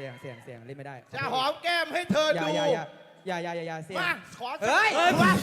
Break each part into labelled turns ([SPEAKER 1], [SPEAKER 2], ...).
[SPEAKER 1] สียงเล่นไม่ได้
[SPEAKER 2] จะหอมแก้มให้เธอดู
[SPEAKER 1] อย่าเสียง
[SPEAKER 2] มาขอ
[SPEAKER 1] เฮ้ย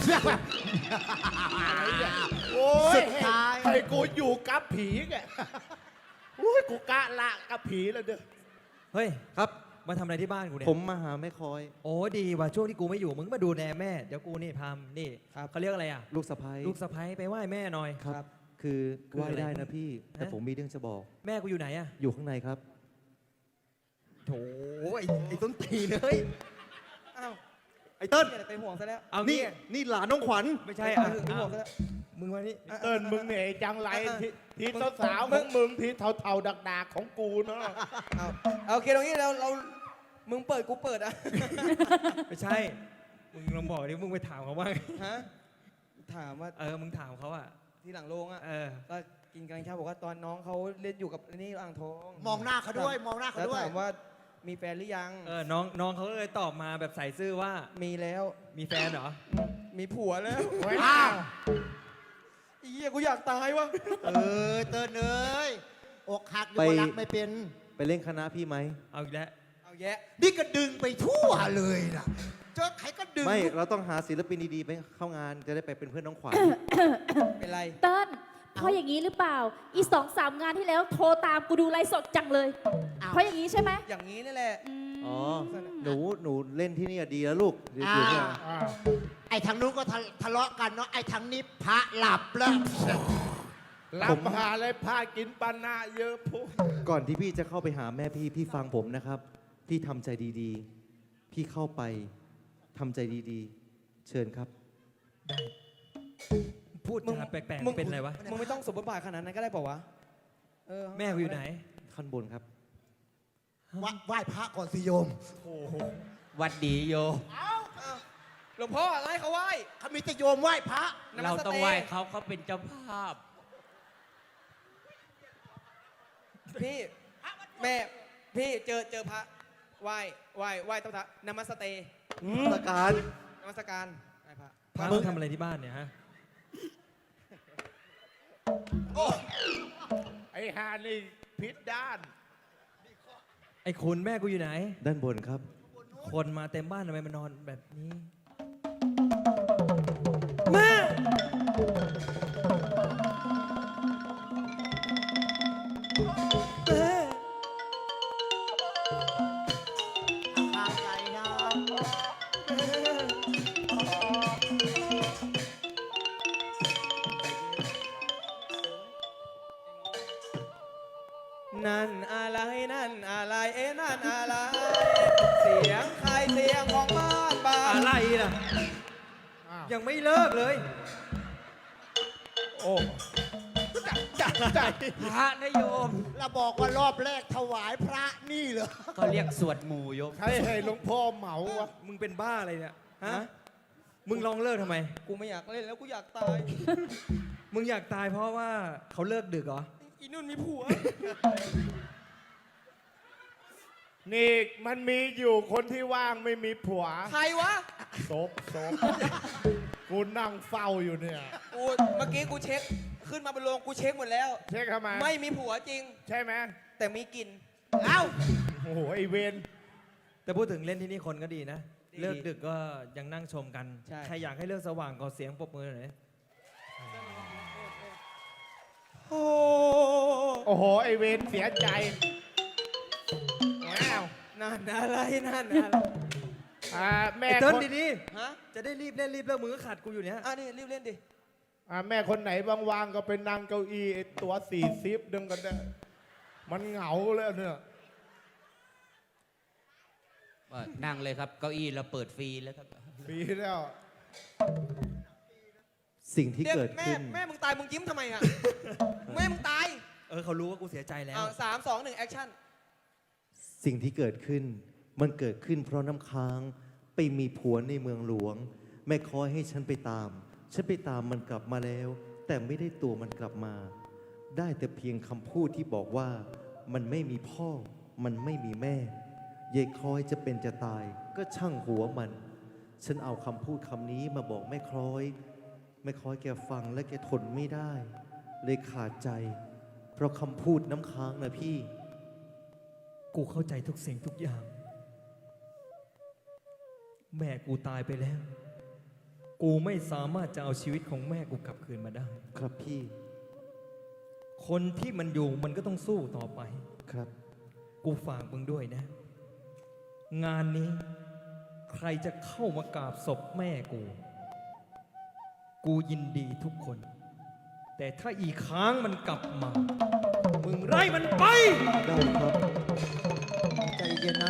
[SPEAKER 2] โอ้ย
[SPEAKER 3] สุดท้าย
[SPEAKER 2] ให้กูอยู่กับผีแกโอ้ยกูกะละกับผีแล้วเด้อ
[SPEAKER 4] เฮ้ย
[SPEAKER 5] ครับ
[SPEAKER 4] มาทำอะไรที่บ้านกูเนี่ย
[SPEAKER 5] ผมมาหาแม่คอย
[SPEAKER 4] โอ้ดีว่ะช่วงที่กูไม่อยู่มึงมาดูแลแม่เดี๋ยวกูนี่พามนี่เขาเรียกอะไรอ่ะ
[SPEAKER 5] ลูกสะพ้ย
[SPEAKER 4] ลูกสะใภ้ไปไหว้แม่หน่อย
[SPEAKER 5] ครับ คือ
[SPEAKER 4] คือ
[SPEAKER 5] ไหว้
[SPEAKER 4] อะไร
[SPEAKER 5] ได้นะพี่ แต่
[SPEAKER 4] ฮะ
[SPEAKER 5] ผมมีเรื่องจะบอก
[SPEAKER 4] แม่กูอยู่ไหนอ่ะ
[SPEAKER 5] อยู่ข้างในครับ
[SPEAKER 4] โถไอ้ต้นตีนเฮ้ย
[SPEAKER 1] อ้าว
[SPEAKER 5] ไอ้เติ้ล
[SPEAKER 1] ไปห่วงซะแล้ว
[SPEAKER 4] เอา
[SPEAKER 5] นี่
[SPEAKER 4] งี้
[SPEAKER 5] นี่หลานน้องขวัญ
[SPEAKER 4] ไม่ใช่
[SPEAKER 1] ไป
[SPEAKER 4] อ่ะ
[SPEAKER 1] ห่วงซะแล้ว
[SPEAKER 4] มึงมานี่
[SPEAKER 2] เติ้ลมึงเนี่ยจังไรที่สาวๆของมึงที่เทาๆดักๆของกูเนาะ
[SPEAKER 1] เอาโอเคตรงนี้เรามึงเปิดกูเปิดอ่ะ
[SPEAKER 4] ไม่ใช่มึงลองบอกดิมึงไปถามเขาบ้าง
[SPEAKER 1] ฮะถามว่า
[SPEAKER 4] มึงถามเขาอ่ะ
[SPEAKER 1] ที่หลังโรงอ่ะ
[SPEAKER 4] เออ
[SPEAKER 1] ก็กินกันข้าวบอกว่าตอนน้องเขาเล่นอยู่กับนี่อ่างทอง
[SPEAKER 3] มองหน้าเขาด้วยมองหน้าเขา
[SPEAKER 1] แล้ว
[SPEAKER 3] ด้วย
[SPEAKER 1] ถามว่ามีแฟนหรือยัง
[SPEAKER 4] น้องเขาก็เลยตอบมาแบบใส่ซื่อว่า
[SPEAKER 1] มีแล้ว
[SPEAKER 4] มีแฟนเหรอ
[SPEAKER 1] มีผัวแล้ว
[SPEAKER 3] อ้าว
[SPEAKER 1] ไอ้เหี้ยกูอยากตายวะ
[SPEAKER 3] เตือนเอ้ยอกหักอยู่
[SPEAKER 5] ไป
[SPEAKER 3] ก็รักไม่เป็น
[SPEAKER 5] ไปเล่นคณะพี่ไหม
[SPEAKER 4] เอาอีกแล้ว
[SPEAKER 1] เอาแยะ
[SPEAKER 3] นี่ก็ดึงไปทั่วเลยนะเจอใครก็ดึง
[SPEAKER 5] ไม่ เราต้องหาศิลปินดีๆไปเข้างานจะได้ไปเป็นเพื่อนน้องขวัญ
[SPEAKER 1] เป็นไร
[SPEAKER 6] เติ้ลเพราะอย่างนี้หรือเปล่า อี2-3 งานที่แล้วโทรตามกูดูไลฟ์สดจังเลย เพราะอย่างนี้ใช่ไหม
[SPEAKER 1] อย่างนี้นี่แหละ
[SPEAKER 5] อ๋อ หนูเล่นที่นี่ดีแล้วลูกเดี๋ยว
[SPEAKER 3] อ่า
[SPEAKER 5] อยู่เนี่ย
[SPEAKER 3] ไอ้ทางนู้นก็ทะเลาะกันเนาะไอ้ทางนี้พระหลับแล้ว
[SPEAKER 2] รับหาอะไรพากินปานาเยอะพุ
[SPEAKER 5] ก่อนที่พี่จะเข้าไปหาแม่พี่ฟังผมนะครับ พี่ทำใจดีๆ พี่เข้าไปทำใจดีๆ เชิญครับ
[SPEAKER 4] พูด
[SPEAKER 1] มึง
[SPEAKER 4] จาแปลก
[SPEAKER 1] มึง
[SPEAKER 4] ๆเป็นอะไรวะ
[SPEAKER 1] มึงไม่ต้องสมบทบาทขนาดนั้นก็ได้เปล่าวะเ
[SPEAKER 4] แม่กูอยู่ไหน
[SPEAKER 5] ขั้นบนครับ
[SPEAKER 3] ไหว้พระก่อนสิโยม
[SPEAKER 7] วัดดีโย
[SPEAKER 1] หลวงพ่ออะไรเขาไหว้
[SPEAKER 3] เขามีแต่โยมไหว้พระ
[SPEAKER 7] เราต้องไหว้เขาเป็นเจ้าภาพ
[SPEAKER 1] พี่แม่พี่เจอพระไหว้ต้องพระนมัสเตย์
[SPEAKER 5] ตะการ
[SPEAKER 1] นมัสการไหว้พระ
[SPEAKER 4] พามึงทำอะไรที่บ้านเนี่ยฮะ
[SPEAKER 2] ไอ้ฮานี่พิษด้าน
[SPEAKER 4] ไอ้คุณแม่กูอยู่ไหน
[SPEAKER 5] ด้านบนครับ
[SPEAKER 4] คนมาเต็มบ้านทำไมมานอนแบบนี้
[SPEAKER 3] ข้างใจนะ
[SPEAKER 1] นั่นอะไรนั่นอะไรนั่นอะไร เสียงใครเสียงของบ้านบ้าน
[SPEAKER 4] อะไรล่ะ
[SPEAKER 2] อ้าว
[SPEAKER 4] ยังไม่เลิกเลย
[SPEAKER 2] โอ้จัดใจ
[SPEAKER 7] พระนโยม
[SPEAKER 3] เราบอกว่ารอบแรกถวายพระนี่เหรอ
[SPEAKER 7] เขาเรียกสวดหมู่โยม
[SPEAKER 2] ใครให้หลวงพ่อเหมาวะ
[SPEAKER 4] มึงเป็นบ้าอะไรเนี่ย ฮะ มึงลองเลิกทำไม
[SPEAKER 1] กูไม่อยากเล่นแล้วกูอยากตาย
[SPEAKER 4] มึงอยากตายเพราะว่าเขาเลิกดึกเหรอ
[SPEAKER 1] อีนุ่นมีผัว
[SPEAKER 2] นี่มันมีอยู่คนที่ว่างไม่มีผัว
[SPEAKER 1] ใครวะ
[SPEAKER 2] ศพกูนั่งเฝ้าอยู่เนี่ย
[SPEAKER 1] กูเมื่อกี้กูเช็คขึ้นมาบนโรงกูเช็คหมดแล้ว
[SPEAKER 2] เช็คทำไม
[SPEAKER 1] ไม่มีผัวจริง
[SPEAKER 2] ใช่ไหม
[SPEAKER 1] แต่มีกลิ่น
[SPEAKER 3] เอ้า
[SPEAKER 2] โอ้โหไอเวน
[SPEAKER 4] แต่พูดถึงเล่นที่นี่คนก็ดีนะ
[SPEAKER 1] ดี
[SPEAKER 4] เลิกดึกก็ยังนั่งชมกัน
[SPEAKER 1] ใช่
[SPEAKER 4] ใครอยากให้เลิกสว่างก็เสียงปรบมือหน่อย
[SPEAKER 1] โอ้
[SPEAKER 2] โอ้โหไอเวนเสียใจว้าว
[SPEAKER 1] นั่นอะไรนั่นอะไร
[SPEAKER 2] แม่
[SPEAKER 4] ไอ้เติ้ล
[SPEAKER 2] คน
[SPEAKER 4] ดี
[SPEAKER 1] ฮะ
[SPEAKER 4] ๆ จะได้รีบเล่นรีบเลิกมึงก็ขัดกูอยู่เนี่ย
[SPEAKER 1] นี่รีบเล่นดิ
[SPEAKER 2] แม่คนไหนว่างๆก็ไปนั่งเก้าอี้ไอ้ตัว40ดึงกันได้มันเหงาแล้วเนี่ย
[SPEAKER 7] นั่งเลยครับ เก้าอี้เราเปิดฟรีแล้วครับ
[SPEAKER 2] ปีแล้ว
[SPEAKER 5] สิ่งที่
[SPEAKER 1] เรียก
[SPEAKER 5] เกิด
[SPEAKER 1] แม่
[SPEAKER 5] ขึ้น
[SPEAKER 1] แม่มึงตายมึงยิ้มทำไมอ่ะ แม่มึงตาย
[SPEAKER 4] เขารู้ว่ากูเสียใจแล้ว
[SPEAKER 1] 3 2 1แอคชั่น
[SPEAKER 5] สิ่งที่เกิดขึ้น มันเกิดขึ้นเพราะน้ำค้างไปมีผัวในเมืองหลวง แม่คอยให้ฉันไปตาม ฉันไปตามมันกลับมาแล้ว แต่ไม่ได้ตัวมันกลับมา ได้แต่เพียงคำพูดที่บอกว่า มันไม่มีพ่อ มันไม่มีแม่ยายคอยจะเป็นจะตาย ก็ช่างหัวมัน ฉันเอาคำพูดคำนี้มาบอกแม่คล้อย แม่คล้อยแกฟังและแกทนไม่ได้ เลยขาดใจ เพราะคำพูดน้ำค้างนะพี่
[SPEAKER 4] กูเข้าใจทุกสิ่งทุกอย่าง แม่กูตายไปแล้ว กูไม่สามารถจะเอาชีวิตของแม่กูกลับคืนมาได้
[SPEAKER 5] ครับพี่
[SPEAKER 4] คนที่มันอยู่มันก็ต้องสู้ต่อไป
[SPEAKER 5] ครับ
[SPEAKER 4] กูฝากมึงด้วยนะ งานนี้ใครจะเข้ามากราบศพแม่กู กูยินดีทุกคน แต่ถ้าอีกครั้งมันกลับมา มึงไล่มันไป
[SPEAKER 5] ได้ครับ
[SPEAKER 3] ใจเย็นนะ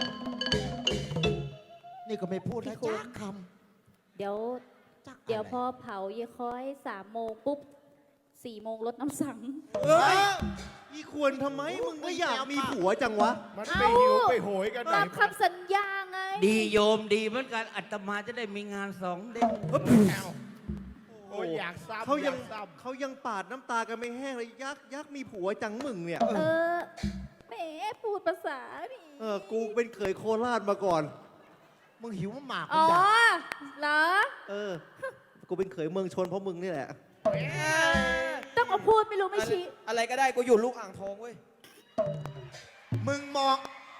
[SPEAKER 3] นี่ก็ไม่พูดนะจ้าค
[SPEAKER 6] เดี๋ยว
[SPEAKER 3] ำจัก
[SPEAKER 6] เดี๋ยวพอเผาเยคอย3 โมงปุ๊บ4 โมงรถน้ำสัง
[SPEAKER 5] เอ้ยอีควรทำไม มึงไม่อยากมีผัวจังวะ
[SPEAKER 2] มันไปหิวไปโหยกันไหน
[SPEAKER 6] ตามคำสัญญาไง
[SPEAKER 7] ดีโยมดีเหมือนกันอาตมาจะได้มีงาน2 เด้ง
[SPEAKER 2] โอ้ยอยากซ้ำ
[SPEAKER 5] เขายัง
[SPEAKER 2] อซ้ำ
[SPEAKER 5] เขายังปาดน้ำตากันไม่แห้งเลยยักษ์มีผัวจังมึงเนี่ย
[SPEAKER 6] แหมพูดภาษานี่
[SPEAKER 5] กูเป็นเขยโคราชมาก่อน
[SPEAKER 3] มึงหิวหมาก
[SPEAKER 6] อ๋อ
[SPEAKER 3] มึงอยาก
[SPEAKER 6] เหรอ
[SPEAKER 5] กูเป็นเขยเมืองชนเพราะมึงนี่แหละ
[SPEAKER 6] ต้องมาพูดไม่รู้ไม่ชี้
[SPEAKER 1] อะไรก็ได้กูอยู่ลูกอ่างทองเว้ย
[SPEAKER 3] มึงมอง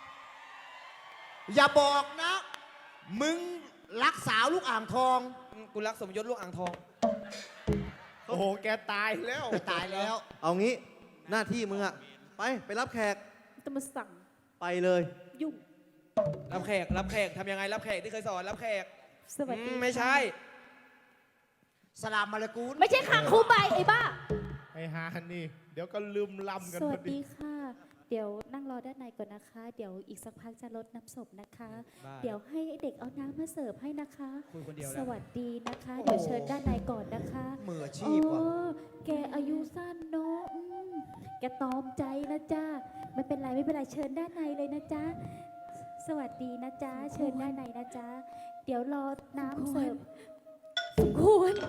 [SPEAKER 3] อย่าบอกนะ มึงรักสาวลูกอ่างทอง
[SPEAKER 1] กูรักสมยศลูกอ่างทอง
[SPEAKER 2] โอ้โห แกตายแล้ว
[SPEAKER 3] ไปตายแล้ว
[SPEAKER 5] เอางี้หน้าที่มึงอะไปรับแขก
[SPEAKER 6] ต้องมาสั่ง
[SPEAKER 5] ไปเลย
[SPEAKER 6] ยุ่ง
[SPEAKER 1] รับแขกทำยังไงรับแขกที่เคยสอนรับแขก
[SPEAKER 6] สวัสดี
[SPEAKER 1] ไม่ใช่
[SPEAKER 3] สลามมาเลกูล
[SPEAKER 6] ไม่ใช่ขังครูใบไอ้บ้า
[SPEAKER 2] ไอ้ฮานี่ เดี๋ยวก็ลืมลำกัน
[SPEAKER 6] ส
[SPEAKER 2] พ
[SPEAKER 6] วั
[SPEAKER 2] อ
[SPEAKER 6] ส
[SPEAKER 2] ดี
[SPEAKER 6] ดีค่ะ เดี๋ยวนั่งรอด้านในก่อนนะคะ เดี๋ยวอีกสักพักจะลดน้ำศพนะคะ
[SPEAKER 1] บ้า
[SPEAKER 6] เดี๋ยวให้เด็กเอาน้ำมาเสิร์ฟให้นะคะ
[SPEAKER 1] คุยคนเดียว
[SPEAKER 6] ส
[SPEAKER 1] แล้ว
[SPEAKER 6] วัสดีนะคะ เดี๋ยวเชิญด้านในก่อนนะคะ
[SPEAKER 3] มืออาชีพว่ะ
[SPEAKER 6] โอ้แกอายุสั้นเนาะแกตอมใจนะจ๊ะไม่เป็นไรไม่เป็นไรเชิญด้านในเลยนะจ๊ะ สวัสดีนะจ๊ะ เชิญด้านในนะจ๊ะ เดี๋ยวรอน้ำเสิร์ฟสมควร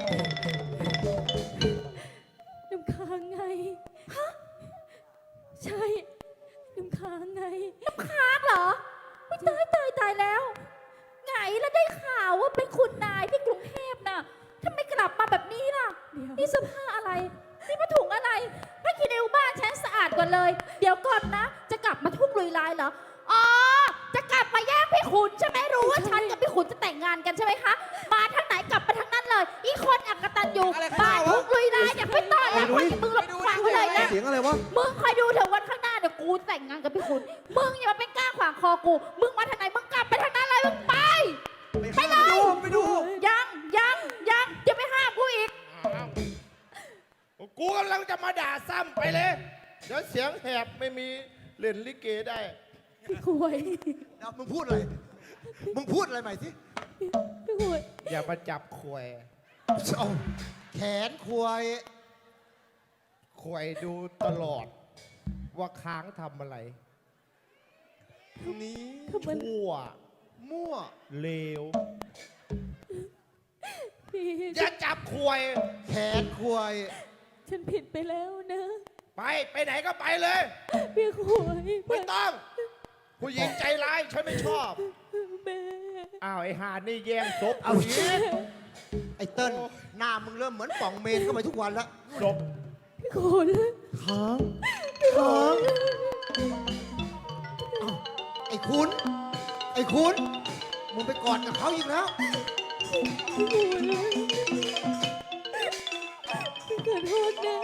[SPEAKER 6] น้ำค้างไง ฮะ ใช่ น้ำค้างไง น้ำค้างเหรอไม่ตายแล้ว ไงแล้วได้ข่าวว่าเป็นคุณนายที่กรุงเทพน่ะทำไมกลับมาแบบนี้ล่ะ นี่เสื้อผ้าอะไร นี่ผ้าถุงอะไรผ้าคีริ้วบ้านฉันสะอาดกว่าเลย เดี๋ยวก่อนนะ จะกลับมาทุ่งลุยลายเหรอ อ๋อ จะกลับมาแย่งพี่ขุนใช่ไหมรู้ว่าฉันกับพี่ขุนจะแต่งงานกันใช่ไหมคะ มาทางไหนกลับไปทางนั้นเลย อีคนอักตันอยู่
[SPEAKER 1] อะไรกัน
[SPEAKER 6] บ้าน
[SPEAKER 1] วะ
[SPEAKER 6] ทุ่งลุยลายเนี่ยไม่ต้อนรับคนอย่างมึงหรอกฟังไว้เลยนะ
[SPEAKER 5] เสียงอะไรวะ
[SPEAKER 6] มึงคอยดูเถอะวันข้างหน้าเดี๋ยวกูแต่งงานกับพี่ขุน มึงอย่ามาเป็นก้างขวางคอกู มึงมาทางไหนมึงกลับไปทางนั้นเลยมึงไป ไปเลย
[SPEAKER 1] ไปดู
[SPEAKER 6] ยังอย่าไปห้ามกูอีก
[SPEAKER 2] อ้าวกูกำลังจะมาด่าซ้ำไปเลย เดี๋ยวเสียงแหบไม่มีเล่นลิเกได้
[SPEAKER 6] พี่ขวย
[SPEAKER 3] เดี๋ยวมึงพูดอะไร มึงพูดอะไรใหม่สิ
[SPEAKER 6] พี่ขวย
[SPEAKER 2] อย่ามาจับแขว
[SPEAKER 3] เอาแขนควาย
[SPEAKER 2] แขวดูตลอด ว่าค้างทำอะไร
[SPEAKER 3] นี้
[SPEAKER 2] ชั่ว
[SPEAKER 3] มั่ว
[SPEAKER 2] เลว
[SPEAKER 6] พี่
[SPEAKER 2] อย่าจับแขว
[SPEAKER 3] แขนควาย
[SPEAKER 6] ฉันผิดไปแล้วนะ
[SPEAKER 2] ไปไหนก็ไปเลย
[SPEAKER 6] พี่ขวย
[SPEAKER 2] ไม่ต้อง ผู้หญิงใจร้ายฉันไม่ชอบ
[SPEAKER 6] แม่
[SPEAKER 2] อ้าวไอ้หานี่แย่งศพ
[SPEAKER 3] เอา
[SPEAKER 2] ผู้หญิง
[SPEAKER 3] ไอ้เติ้ลหน้ามึงเริ่มเหมือนป่องเมนเข้าไปทุกวันแล้ว
[SPEAKER 2] ศพ
[SPEAKER 6] พี่ขุน
[SPEAKER 5] ค้าง
[SPEAKER 3] ไอ้คุณ มึงไปกอดกับเขาอีกแล้ว
[SPEAKER 6] ขอโทษนะ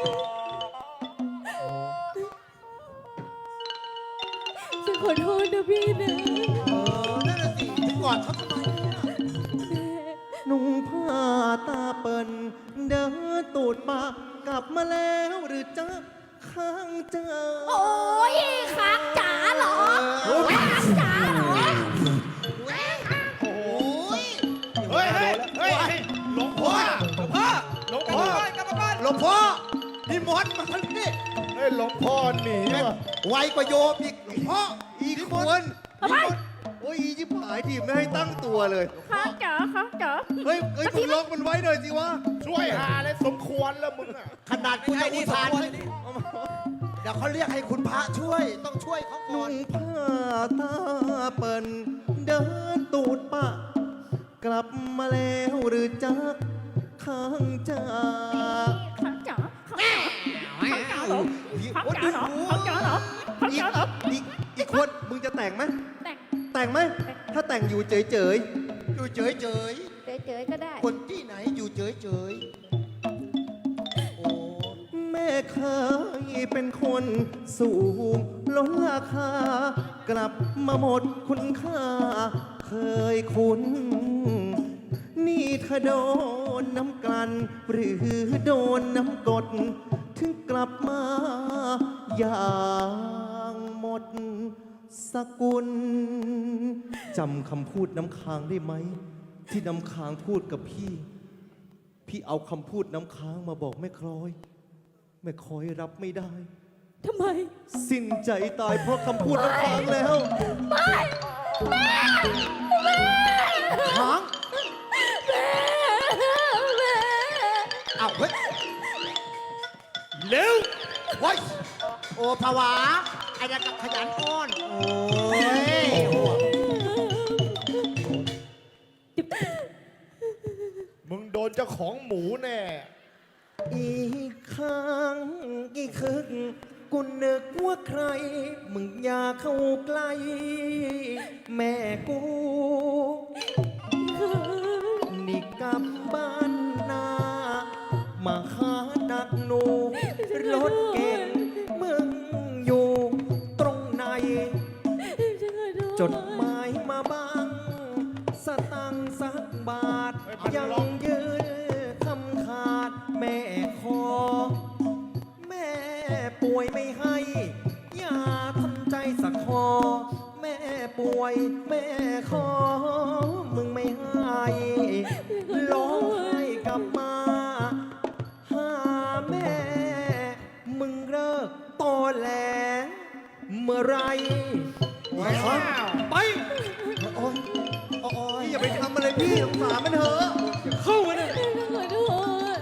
[SPEAKER 6] ฉันขอโทษนะพี่นะ
[SPEAKER 3] นั่นน่ะสิไปกอดเขาทำไมเนี่ย
[SPEAKER 5] นุ่งผ้าตาเปิ่นเดินตูดปากกลับมาแล้วหรือจะค้างเจอ
[SPEAKER 6] โอ้ยค้างจ๋าเหรอค้างจ๋าเหรอ
[SPEAKER 3] โอ้ย
[SPEAKER 2] เฮ้ยหลวงพ่อ
[SPEAKER 1] หลวงพ่อกลับมาบ้าน
[SPEAKER 3] หลวงพ่อนิมนต์มาทันที
[SPEAKER 2] เฮ้ยหลวงพ่อหนีว่ะ
[SPEAKER 3] ไวกว่าโยมอีกหลวงพ่อ
[SPEAKER 5] อีกคน
[SPEAKER 6] ทำไม
[SPEAKER 5] โอ้ยอีจิบหายทีไม่ให้ตั้งตัวเลย
[SPEAKER 6] ค้างจ๋าค้างจ๋า
[SPEAKER 5] เฮ้ยมึงล็อกมันไว้หน่อยสิวะ
[SPEAKER 2] ช่วยหาเลยสมควรแล้วมึงอ่ะ
[SPEAKER 3] ขนาดคุณจะอุทาน
[SPEAKER 1] ไอ้
[SPEAKER 3] ให้
[SPEAKER 1] นี่
[SPEAKER 3] เดี๋ยวเขาเรียกให้คุณพระช่วย ต้องช่วยเขาก่อ
[SPEAKER 5] นุ่
[SPEAKER 3] น
[SPEAKER 5] งผ้าตาเปิ่นเดินตูดปะกลับมาแล้วหรือจักค้างจา
[SPEAKER 6] ค้างจ๋าค้างจ๋าเหรอค้างจ๋าเหรอค้างจ๋าเหรอค้างจ๋าเหรอ
[SPEAKER 3] อีก
[SPEAKER 5] แต่งไหม
[SPEAKER 6] แต่ง
[SPEAKER 5] แต่งไหม ถ้าแต่งอยู่เฉย
[SPEAKER 3] อยู่เฉย
[SPEAKER 6] เฉยๆก็ได้
[SPEAKER 3] ๆคนที่ไหนอยู่เฉยๆโอ้
[SPEAKER 5] ๆ แม่เคยเป็นคนสูงล้นราคา กลับมาหมดคุณค่า เคยคุ้น นี่ถ้าโดนน้ำกลั่นหรือโดนน้ำกด ถึงกลับมาอย่างหมดสกุลจำคำพูดน้ำค้างได้ไหม ที่น้ำค้างพูดกับพี่ พี่เอาคำพูดน้ำค้างมาบอกแม่คล้อย แม่คล้อยรับไม่ได้
[SPEAKER 6] ทำไม
[SPEAKER 5] สิ้นใจตายเพราะคำพูดน้ำค้างแล้ว
[SPEAKER 3] ค้าง
[SPEAKER 6] แม่
[SPEAKER 3] อ้าวเฮ้ย
[SPEAKER 2] เร็ว
[SPEAKER 3] เฮ้ยโอ้ภาวะไอ้นั่นก็ขยันอ้อน โอ้ยโอ้
[SPEAKER 2] มึงโดนเจ้าของหมูแน่
[SPEAKER 5] อีกครั้งอีกคึกกูนึกว่าใคร มึงอย่าเข้าใกล้ แม่กู นี่กลับบ้านนามาหานักหนู รถเก่งมึงอยู่ตรงไหน จดหมายมาบ้าง สตังค์สักบาท
[SPEAKER 2] เฮ้ยพัน
[SPEAKER 5] ยัง
[SPEAKER 2] ล็อก
[SPEAKER 5] ยืนคำขาดแม่ขอ แม่ป่วยไม่ให้ อย่าทำใจสักคอ แม่ป่วยแม่ขอ มึงไม่ให้ร้องไห้กลับมา หาแม่ มึงเลิกตอแหลเมื่อไร
[SPEAKER 2] ไป
[SPEAKER 3] โอ้ยโอ้ย
[SPEAKER 5] อย่าไปทำอะไรพี่สงสารมันเถอะ
[SPEAKER 2] เข้ามาเนี่ย
[SPEAKER 6] ขอโทษ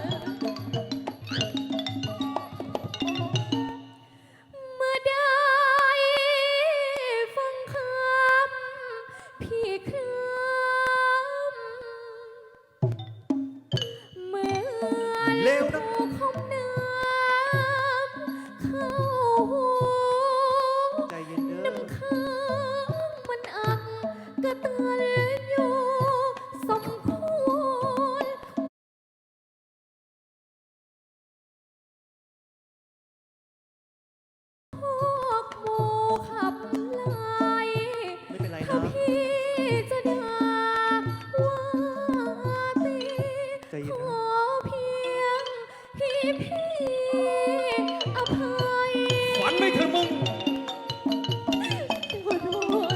[SPEAKER 6] เมื่อได้ฟังคำพี่ครำเหมือน
[SPEAKER 5] เร็วนะ
[SPEAKER 6] ลูกของน้ำเข้าหู
[SPEAKER 5] ใจเย็นเด้อ
[SPEAKER 6] น้ำค้างมันอักกระตันอยู่สมควรพวกหมูขับไล่
[SPEAKER 5] ไม่เป็นไร
[SPEAKER 6] ถ้า
[SPEAKER 5] นะ
[SPEAKER 6] พี่จะด่าว่าตี
[SPEAKER 5] ใจเย็น
[SPEAKER 6] ข
[SPEAKER 5] นะ
[SPEAKER 6] อเพียงพี่อภัย
[SPEAKER 2] ฝันไม่เถอะมึง
[SPEAKER 6] ขอโทษ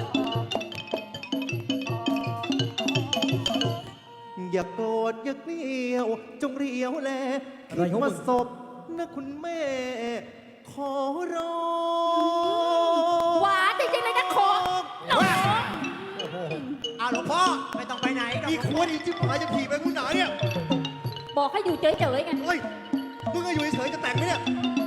[SPEAKER 5] อย่าโกรธอย่าเกลียว จงเรียวแล
[SPEAKER 4] อะไร
[SPEAKER 5] คิด
[SPEAKER 4] ของมึง
[SPEAKER 5] ว่าศพนะคุณแม่ ขอร้อง
[SPEAKER 6] หวานจริงๆเลยนะขอหนอ
[SPEAKER 3] เอาหลวงพ่อ ไม่ต้องไปไหนหรอก
[SPEAKER 5] อีควรอีจิ๋หายจะผีไปกูหนาเนี่ย
[SPEAKER 6] บอกให้อยู่เฉยๆไง
[SPEAKER 5] เฮ้ย มึงก็อยู่เฉยๆจะแต่งไหมเนี่ย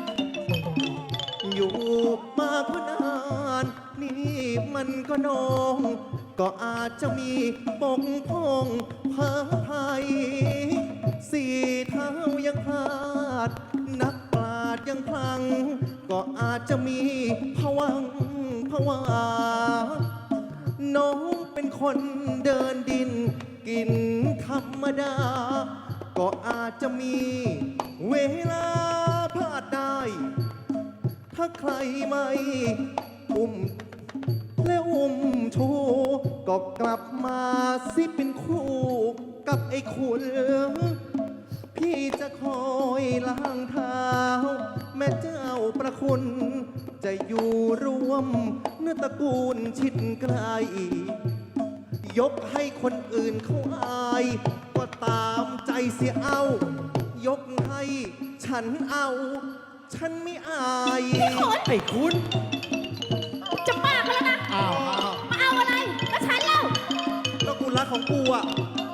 [SPEAKER 5] อยู่มาเพนาน นี่มันก็นอง ก็อาจจะมีปกพร่องพาภัย สี่เท้ายังพลาด นักปราดยังพลัง ก็อาจจะมีผวังค์ผวา น้องเป็นคนเดินดิน กินธรรมดา ก็อาจจะมีเวลาพลาดได้ ถ้าใครไม่อุ้มและอุ้มชูก็กลับมาสิเป็นคู่กับไอ้คุณ พี่จะคอยล้างเท้า แม่เจ้าประคุณ จะอยู่รวมเนื้อตระกูลชิดไกล ยกให้คนอื่นเขาอาย ก็ตามใจเสียเอา ยกให้ฉันเอา ฉันไม่อาย
[SPEAKER 4] ไอ้คุณ
[SPEAKER 6] จะมากแล้วนะ
[SPEAKER 3] อ้าว
[SPEAKER 6] มาเอาอะไรแล้วฉันเล่า
[SPEAKER 5] แล้วกูรักของกูอ่ะ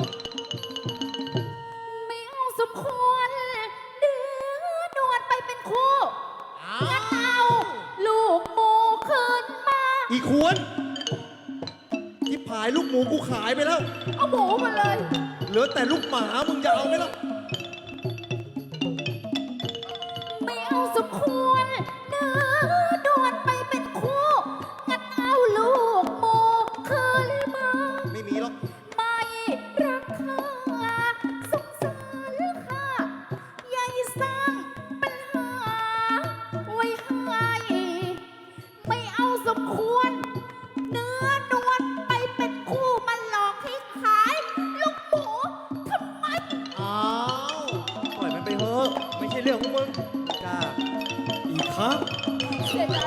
[SPEAKER 6] ไม่เอาสมควรเดือนวดไปเป็นคู่งั้นเอาลูกหมูคืนมา
[SPEAKER 5] อีควรที่ผายลูกหมูกูขายไปแล้ว
[SPEAKER 6] เอาหมูมาเลย
[SPEAKER 5] เหลือแต่ลูกหมา มึงจะเอาไหมล่ะ
[SPEAKER 6] ไม่เอาสมควรเนื้อนวลไปเป็นคู่งั้นเอาลูก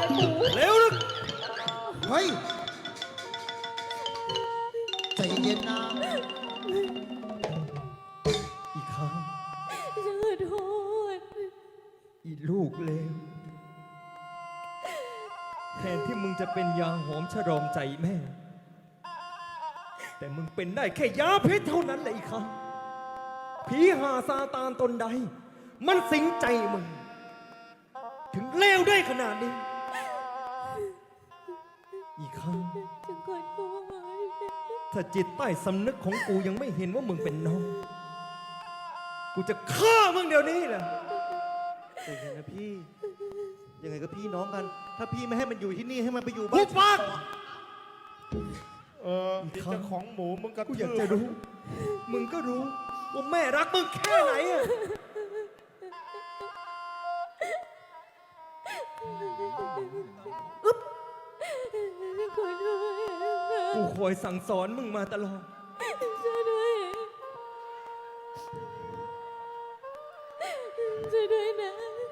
[SPEAKER 6] อยหมู
[SPEAKER 4] เร็วลึก
[SPEAKER 3] เฮ้ย ใจเย็นๆนะ
[SPEAKER 4] อีกครั้ง
[SPEAKER 6] ฉันขอโทษ
[SPEAKER 4] อีลูกเลวแทนที่มึงจะเป็นยาหอมชโลมใจแม่ แต่มึงเป็นได้แค่ยาพิษเท่านั้นแหละอีกครั้งผีหาซาตานตนใด มันสิงใจมึง ถึงเลวได้ขนาดนี้ อีกครั้ง
[SPEAKER 6] ฉันขอโทษ
[SPEAKER 4] ถ้าจิตใต้สำนึกของกูยังไม่เห็นว่ามึงเป็นน้อง กูจะฆ่ามึงเดี๋ยวนี้แหละ
[SPEAKER 5] แต่ยังไงนะพี่ ยังไงก็พี่น้องกัน ถ้าพี่ไม่ให้มันอยู่ที่นี่ให้มันไปอยู่
[SPEAKER 4] กู
[SPEAKER 5] บ้าน
[SPEAKER 4] ปาก
[SPEAKER 2] อีเจ้าของหมูมึงก็
[SPEAKER 4] กูอยากจะรู้ มึงก็รู้ว่าแม่รักมึงแค่ไหนอะ
[SPEAKER 6] ฉันขอโทษ
[SPEAKER 4] กูคอยสั่งสอนมึงมาตลอด
[SPEAKER 6] ช่วยด้วยช่วยด้วยนะ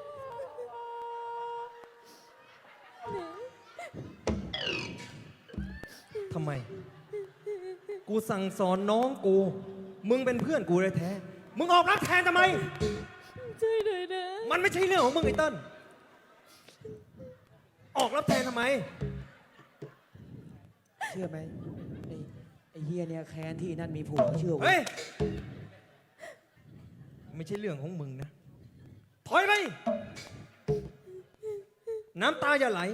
[SPEAKER 4] ทำไม กูสั่งสอนน้องกู มึงเป็นเพื่อนกูแท้ๆมึงออกรับแทนทำไม
[SPEAKER 6] ช่วยด้วยนะ
[SPEAKER 4] มันไม่ใช่เรื่องของมึงไอ้เติ้ลออกรับแทนทำไม
[SPEAKER 1] เชื่อไหมไอ้เฮียเนี่ยแค้นที่นั่นมีผัวเชื่อเว้
[SPEAKER 4] เฮ้
[SPEAKER 1] ย
[SPEAKER 4] ย ไม่ใช่เรื่องของมึงนะ ถอยไป น้ำตาอย่าไหล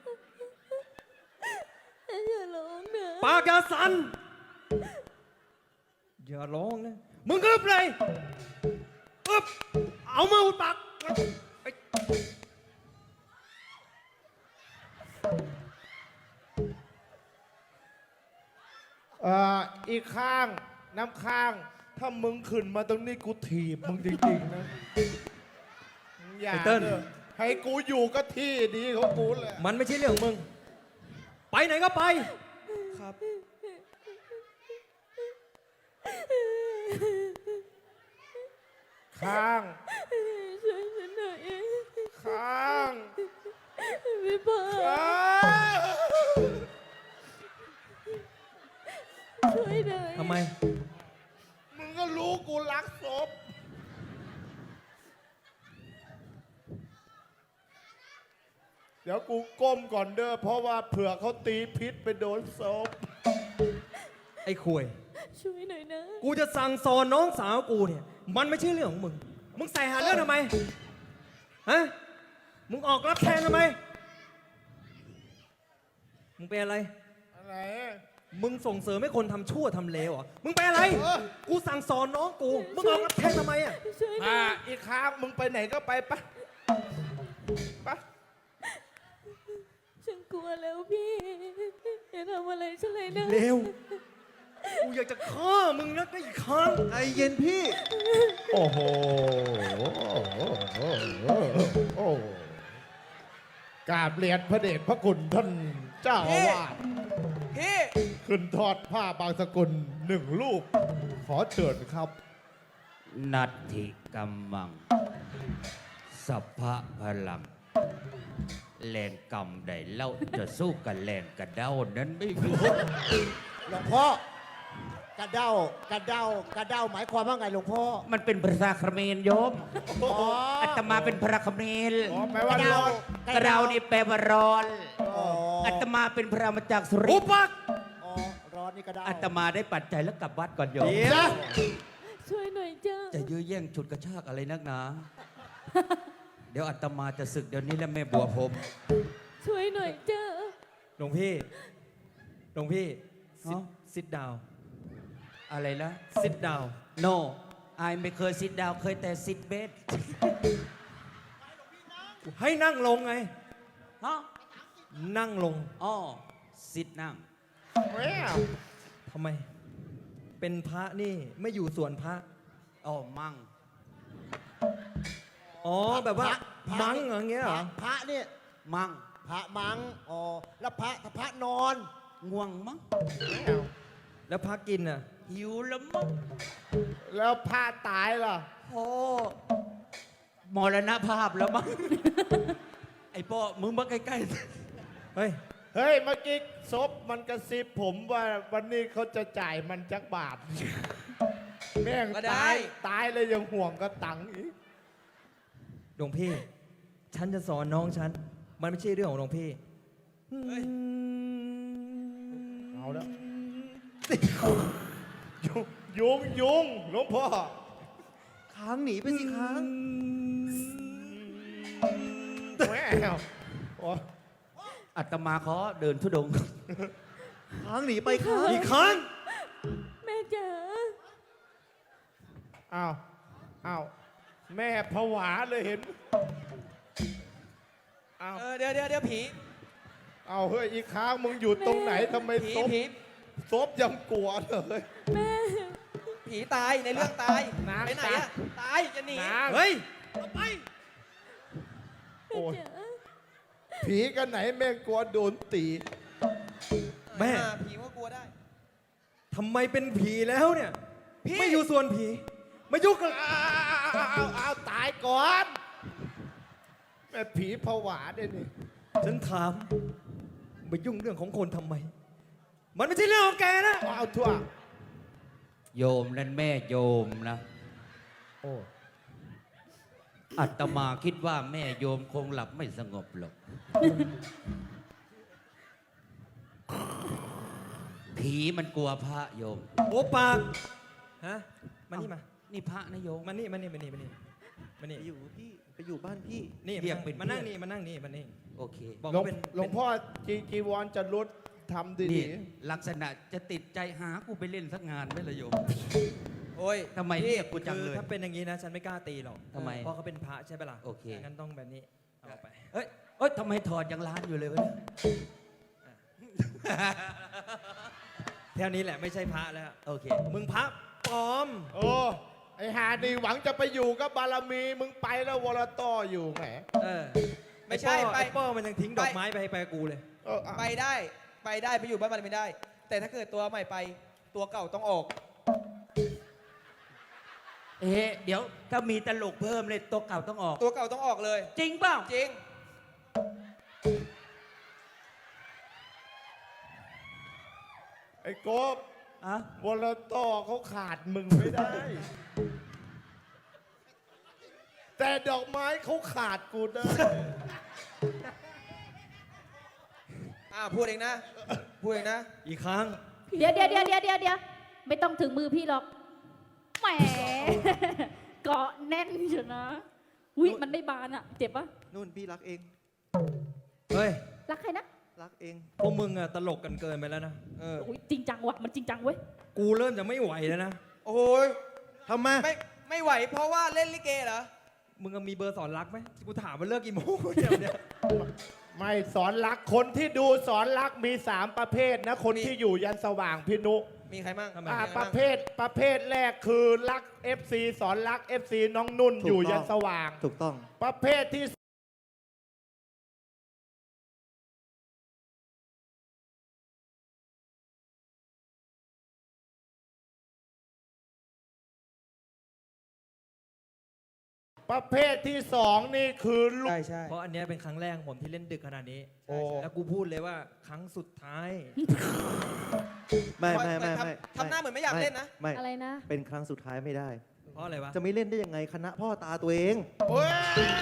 [SPEAKER 6] อย่าร้องนะ
[SPEAKER 4] ปากอย่าสั่น อย่าร้องนะ มึงอึบเลยอึบเอามืออุดปากไอ้
[SPEAKER 2] อีกข้างน้ำข้าง ถ้ามึงขึ้นมาตรงนี้กูถีบมึงจริงๆนะอย่าเถอะให้กูอยู่ก็ที่ดีของกูแหละ
[SPEAKER 4] มันไม่ใช่เรื่องของมึง ไปไหนก็ไป
[SPEAKER 1] ครับ
[SPEAKER 2] ข้าง
[SPEAKER 6] ช่วยฉันหน่อย
[SPEAKER 2] ข้าง
[SPEAKER 6] พี่ปา
[SPEAKER 2] ข้าง
[SPEAKER 6] ช่วยหน่อย
[SPEAKER 4] ทำไม
[SPEAKER 2] มึงก็รู้กูรักศพเดี๋ยวกูก้มก่อนเด้อเพราะว่าเผื่อเขาตีพิษไปโดนศพ
[SPEAKER 4] ไอ้คุย
[SPEAKER 6] ช่วยหน่อยนะ
[SPEAKER 4] กูจะสั่งสอนน้องสาวกูเนี่ย มันไม่ใช่เรื่องของมึง มึงใส่หาเรื่องทำไม ฮะ มึงออกรับแทนทำไม มึงเป็นอะไร
[SPEAKER 2] อะไร
[SPEAKER 4] มึงส่งเสริมให้คนทำชั่วทำเลวเหรอ มึงเป็นอะไร กูสั่งสอนน้องกู มึงออกรับแทนทำไมอ่ะ
[SPEAKER 6] ช่วยหน่อย
[SPEAKER 2] อีกข้างมึงไปไหนก็ไปปะปะ
[SPEAKER 6] ฉันกลัวแล้วพี่อย่าทำอะไรฉันเลยนะ
[SPEAKER 4] เลว กูอยากจะฆ่ามึงนะไอ้ครั้ง
[SPEAKER 5] ใจเย็นพี่
[SPEAKER 2] โอ้โหกราบเรียนพระเดชพระคุณท่านเจ้าอาวาส
[SPEAKER 1] พี่
[SPEAKER 2] ขึ้นทอดผ้าบางสกุลหนึ่งรูป ขอเชิญครับ
[SPEAKER 7] นัตถิกัมมัง สัพพะพลัง แรงกำใดเล่าจะสู้กับแรงกระเด้านั้นไม่รู้
[SPEAKER 3] หลวงพ่อกระเด้ากระเด้ากระเด้าหมายความว่าไงหลวงพ่อ
[SPEAKER 7] มันเป็นภาษาเขมรโยม
[SPEAKER 3] อ๋อ
[SPEAKER 7] อาตมาเป็นพระเขมร
[SPEAKER 2] อ๋อแปลว่ารอด
[SPEAKER 7] กระเด้านี่แปลว่าร้อน
[SPEAKER 3] อ๋อ
[SPEAKER 7] อาตมาเป็นพระมาจากสุริ
[SPEAKER 4] อุ
[SPEAKER 7] นทร์
[SPEAKER 4] ปัก
[SPEAKER 3] อ๋อร้อนนี่กระเด้า
[SPEAKER 7] อาตมาได้ปัจจัยแล้วกลับวัดก่อนโยม
[SPEAKER 4] เดี๋ยว
[SPEAKER 6] ช่วยหน่อยจ้า
[SPEAKER 7] จะยื้อแย่งฉุดกระชากอะไรนักหนา เดี๋ยวอาตมาจะศึกเดี๋ยวนี้แล้วแม่บัวผม
[SPEAKER 6] ช่วยหน่อยจ้า
[SPEAKER 4] หลวงพี่ หลวงพี่
[SPEAKER 7] ฮะ
[SPEAKER 4] sit down
[SPEAKER 7] อะไรนะ
[SPEAKER 4] sit down
[SPEAKER 7] no อายไม่เคยซิดดาวเคยแต่ซิดเบส
[SPEAKER 4] ให้นั่งลงไง
[SPEAKER 7] ฮะ
[SPEAKER 4] นั่งลง
[SPEAKER 7] อ๋อซิดนั่ง
[SPEAKER 4] ทำไม เป็นพระนี่ไม่อยู่ส่วนพระ
[SPEAKER 7] อ๋อมั่ง
[SPEAKER 4] อ๋อ แบบว่า
[SPEAKER 3] พระ
[SPEAKER 4] มั้งอย่างเงี้ยเหรอ
[SPEAKER 3] พระเนี่ย
[SPEAKER 7] มั่ง
[SPEAKER 3] พระมังอ๋อแล้วพระถ้าพระนอน
[SPEAKER 7] ง่วงมั้ง
[SPEAKER 4] แล้วพระกินอ่ะ
[SPEAKER 7] หิวแล้วมั้ง
[SPEAKER 2] แล้วผ้าตายล่ะ
[SPEAKER 7] โอ้มรณภาพแล้วมั้งไอ้ป้อมึงมาใกล้
[SPEAKER 4] เฮ้ย
[SPEAKER 2] เฮ้ยเมื่อกี้ซบมันกระซิบผมว่าวันนี้เขาจะจ่ายมันจักบาท แม่ง
[SPEAKER 1] ก็ได้
[SPEAKER 2] ตายเลยยังห่วงกระตังอีก
[SPEAKER 4] หลวงพี่ ฉันจะสอนน้องฉัน มันไม่ใช่เรื่องของหลวงพี่
[SPEAKER 2] เอาแล้ว ยุงหลวงพ่อ
[SPEAKER 5] ค้างหนีไปสิค้าง
[SPEAKER 2] แม่โอ้
[SPEAKER 7] ๆอาตมาขอเดินทุดงค์
[SPEAKER 5] ค้างหนีไปค้าง
[SPEAKER 4] อีกครั้ง
[SPEAKER 6] แม่จ๋า
[SPEAKER 2] อ้าวแม่ผวาเลยเห็นอ้าว
[SPEAKER 1] เดี๋ยวผี
[SPEAKER 2] เอาเฮ้ยอีกครั้งมึงอยู่ตรงไหนทำไม
[SPEAKER 1] ผี
[SPEAKER 2] ซบ
[SPEAKER 1] ผี
[SPEAKER 2] ซบยังกลัวเลย
[SPEAKER 6] แม่
[SPEAKER 1] ผีตายในเรื่องตาย
[SPEAKER 2] นาง
[SPEAKER 1] ไปไหนอะตายจะหนี
[SPEAKER 2] นาง
[SPEAKER 4] เฮ้ย
[SPEAKER 2] โอ้ย
[SPEAKER 6] จ๋า
[SPEAKER 2] ผีกันไหนแม่งกลัวโดนตี
[SPEAKER 4] แม่
[SPEAKER 1] ผีก็กลัวได้
[SPEAKER 4] ทำไมเป็นผีแล้วเนี่ย
[SPEAKER 1] พี่
[SPEAKER 4] ไม่อยู่ส่วนผี ไม่ยุ่งกับ
[SPEAKER 2] เอาตายก่อน แม่ผีผวาด้วยนี่
[SPEAKER 4] ฉันถามไปยุ่งเรื่องของคนทำไม มันไม่ใช่เรื่องของแกนะ
[SPEAKER 2] เอาทั่ว
[SPEAKER 7] โยมนั่นแม่โยมนะ
[SPEAKER 4] โอ้
[SPEAKER 7] อาตมาคิดว่าแม่โยมคงหลับไม่สงบหรอก ผีมันกลัวพระโยม
[SPEAKER 4] โอ้ปาก ฮะ มานี่มา
[SPEAKER 7] นี่พระนะโยม
[SPEAKER 4] มานี่มานี่มานี่มานี่มานี่
[SPEAKER 5] ไปอยู่พี่ ไปอยู่บ้านพี่
[SPEAKER 4] นี่
[SPEAKER 7] เรียกเป็น
[SPEAKER 4] มานั่ง
[SPEAKER 7] เพื่อน
[SPEAKER 4] นี่มานั่งนี่มานี่
[SPEAKER 7] โอเค
[SPEAKER 4] บอก
[SPEAKER 2] หลวง
[SPEAKER 4] ว่าเป็น
[SPEAKER 2] หลวงพ่อจีวรจะลดทำดี
[SPEAKER 7] นี่ลักษณะจะติดใจหากูไปเล่นสักงานไหมล่ะโยม
[SPEAKER 1] โอ้ย
[SPEAKER 7] ทำไมเรียกกูจัง
[SPEAKER 4] คือ
[SPEAKER 7] เลย
[SPEAKER 4] ถ้าเป็นอย่างนี้นะ ฉันไม่กล้าตีหรอก
[SPEAKER 7] ทำไม
[SPEAKER 4] เพราะเขาเป็นพระใช่ไหมล่ะ
[SPEAKER 7] โอเค
[SPEAKER 4] งั้นต้องแบบนี้ เอาไป
[SPEAKER 7] เอ้ยเอ้ยทำไมถอดยังร้านอยู่เลยวะเนี่ย
[SPEAKER 4] แถวนี้แหละไม่ใช่พระแล้ว
[SPEAKER 7] โอเค
[SPEAKER 4] มึงพระปลอม
[SPEAKER 2] ๆ โอ้ไอหานี่หวังจะไปอยู่กับบารมี มึงไปแล้ววรต่ออยู่แหม
[SPEAKER 4] เออ
[SPEAKER 1] ไม่ใช่
[SPEAKER 4] ไอ้
[SPEAKER 1] ไป
[SPEAKER 4] ป้อมันยังทิ้งดอกไม้ไปกับกูเลย
[SPEAKER 2] เอออ่ะ
[SPEAKER 1] ไปได้ไปอยู่บ้านมันไม่ได้ แต่ถ้าเกิดตัวใหม่ไปตัวเก่าต้องออก
[SPEAKER 7] เอ๊ะเดี๋ยวถ้ามีตลกเพิ่มเลยตัวเก่าต้องออก
[SPEAKER 1] ตัวเก่าต้องออกเลย
[SPEAKER 7] จริงเปล่า
[SPEAKER 1] จริง
[SPEAKER 2] ไอ้กบ
[SPEAKER 7] อะ
[SPEAKER 2] วรต่อเขาขาดมึงไม่ได้ แต่ดอกไม้เขาขาดกูได้
[SPEAKER 1] พูดเองนะ พูดเองนะ
[SPEAKER 4] อีกครั้ง
[SPEAKER 6] เดี๋ยวไม่ต้องถึงมือพี่หรอก แหม เกาะแน่นเชียวนะอุ้ยมันได้บานอะเจ็บปะ
[SPEAKER 5] นู่นพี่รักเอง
[SPEAKER 4] เฮ้ย
[SPEAKER 6] รักใครนะ
[SPEAKER 5] รักเอง
[SPEAKER 4] พวกมึงอะตลกกันเกินไปแล้วนะ
[SPEAKER 6] อุ้ยจริงจังว่ะมันจริงจังเว้ย
[SPEAKER 4] กูเริ่มจะไม่ไหวแล้วนะ
[SPEAKER 1] โอ้ย
[SPEAKER 5] ทำไม
[SPEAKER 1] ไม่ไหวเพราะว่าเล่นลิเกเหรอ
[SPEAKER 4] มึงมีเบอร์สอนรักไหมกูถามว่าเลิกกี่โมงเนี่ย
[SPEAKER 2] ไม่สอนรักคนที่ดูสอนรักมี 3 ประเภทนะ คนที่อยู่ยันสว่างพี่นุ
[SPEAKER 1] มีใครมั่ง
[SPEAKER 4] ทำไม
[SPEAKER 2] ประเภทแรกคือรัก FC สอนรัก FC น้องนุ่น
[SPEAKER 5] ถูกต้อง
[SPEAKER 2] อยู่ยันสว่าง
[SPEAKER 5] ถูกต้อง
[SPEAKER 2] ประเภทที่ประเภทที่ 2 นี่คือลูก
[SPEAKER 1] ใช่ใช่
[SPEAKER 4] เพราะอันเนี้ยเป็นครั้งแรกของผมที่เล่นดึกขนาดนี้
[SPEAKER 2] โอ้
[SPEAKER 4] แล้วกูพูดเลยว่าครั้งสุดท้าย
[SPEAKER 5] ไม่ไม่ไม่
[SPEAKER 1] ทำ
[SPEAKER 5] ไม่
[SPEAKER 1] ทำหน้าเหมือนไม่อยากเล่นนะ
[SPEAKER 5] ไม่
[SPEAKER 6] อะไรนะ
[SPEAKER 5] เป็นครั้งสุดท้ายไม่ได้
[SPEAKER 4] เพราะอะไรวะ
[SPEAKER 5] จะไม่เล่นได้ยังไงคณะพ่อตาตัวเอง
[SPEAKER 2] เว้ย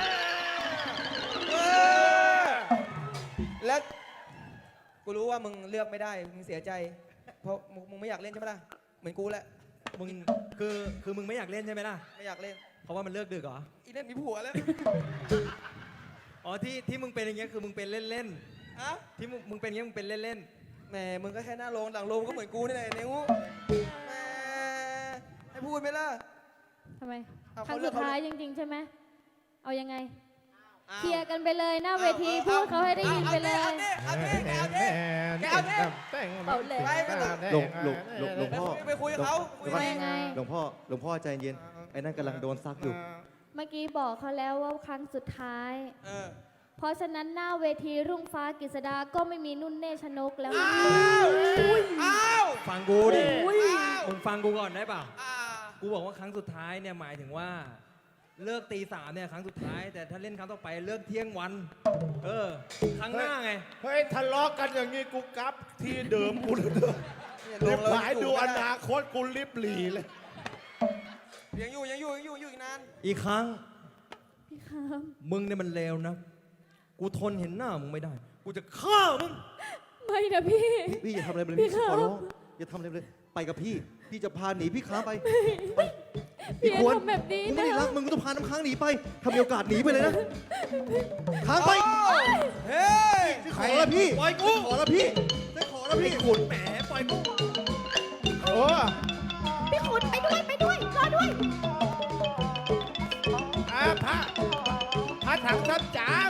[SPEAKER 1] แล้วกูรู้ว่ามึงเลือกไม่ได้ มึงเสียใจ เพราะมึงไม่อยากเล่นใช่ไหมล่ะ เหมือนกูแหละ
[SPEAKER 4] มึงคือมึงไม่อยากเล่นใช่ไหมล่ะ
[SPEAKER 1] ไม่อยากเล่น
[SPEAKER 4] เพราะว่ามันเลิกดึกเหรอ
[SPEAKER 1] อีเล่นมีผัวแล้ว
[SPEAKER 4] อ๋อที่มึงเป็นอย่างเงี้ยคือมึงเป็นเล่น
[SPEAKER 1] อะ
[SPEAKER 4] ๆที่มึงเป็นอย่างเงี้ยมึงเป็นเล่น
[SPEAKER 1] แหมมึงก็แค่หน้าโรงหลังโรงก็เหมือนกูนี่แหละนิ้วแหมให้พูดไหมล่ะ
[SPEAKER 6] ทำไม
[SPEAKER 1] เอา
[SPEAKER 6] ครั้ง
[SPEAKER 1] เขาเลื
[SPEAKER 6] สุ
[SPEAKER 1] อก
[SPEAKER 6] ด
[SPEAKER 1] เขา
[SPEAKER 6] ท้ายจริง ๆ ใช่ไหม เอายังไง
[SPEAKER 1] อ้าว
[SPEAKER 6] เคลียร์กันไปเลยหน้าเวทีพูดเขาให้ได้ยินไปเลย
[SPEAKER 1] เอาดิเอาดิเอาดิ เอาดิ
[SPEAKER 6] เอาเลย
[SPEAKER 5] หลวงพ่อ
[SPEAKER 1] ไปคุยกับเขาคุย
[SPEAKER 5] หลวงพ่อ
[SPEAKER 6] ยังไง
[SPEAKER 5] หลวงพ่อใจเย็น ไอ้นั่นกำลังโดนซักอยู่
[SPEAKER 6] เมื่อกี้บอกเขาแล้วว่าครั้งสุดท้าย
[SPEAKER 1] เออ
[SPEAKER 6] เพราะฉะนั้นหน้าเวทีรุ่งฟ้ากฤษดาก็ไม่มีนุ่นเนชนกแล้ว
[SPEAKER 1] อ้าว
[SPEAKER 4] ๆ ฟังกูดิ
[SPEAKER 1] อ้าว
[SPEAKER 4] มึงฟังกูก่อนได้เปล่า
[SPEAKER 1] อ่า
[SPEAKER 4] กูบอกว่าครั้งสุดท้ายเนี่ยหมายถึงว่าเลิกตี 3เนี่ยครั้งสุดท้าย แต่ถ้าเล่นครั้งต่อไปเลิกเที่ยงวัน ครั้งหน้าไง
[SPEAKER 2] เฮ้ยทะเลาะกันอย่างงี้กูกลับที่เดิมกูเลย
[SPEAKER 1] เนี่ย
[SPEAKER 2] รีบ
[SPEAKER 1] เลย
[SPEAKER 2] หายดูอนาคตกูรีบหลีเลย
[SPEAKER 1] ยังอยู่อีกนาน
[SPEAKER 4] อีกครั้ง
[SPEAKER 6] พี่ครับ
[SPEAKER 4] มึงเนี่ยมันเลวนะ กูทนเห็นหน้ามึงไม่ได้ กูจะฆ่ามึง
[SPEAKER 6] ไม่นะพี่
[SPEAKER 5] พี่อย่าทำอะไรเลย
[SPEAKER 6] พี่
[SPEAKER 5] พี่
[SPEAKER 6] ครับ
[SPEAKER 5] ขอร้องอย่าทำอะไรเลย ไปกับพี่ พี่จะพาหนีพี่ค้างไป
[SPEAKER 6] พี่
[SPEAKER 5] ควร
[SPEAKER 6] ทำแบบนี้
[SPEAKER 5] กูไม่
[SPEAKER 6] นะ
[SPEAKER 5] ได้รักมึงกูต้องพาน้ำค้างหนีไปถ้ามีโอกาสหนีไปเลยนะค้างไป
[SPEAKER 1] เฮ้ย
[SPEAKER 5] ขอแล้วพี่
[SPEAKER 4] ปล่อยกู
[SPEAKER 5] ขอแล้วพี่จะขอแล้วพี่
[SPEAKER 4] ขุนแหมปล่อยกู
[SPEAKER 2] เออ
[SPEAKER 6] พี่ขุนไปด้วยรอด้วย
[SPEAKER 2] พระถังซับจ๋า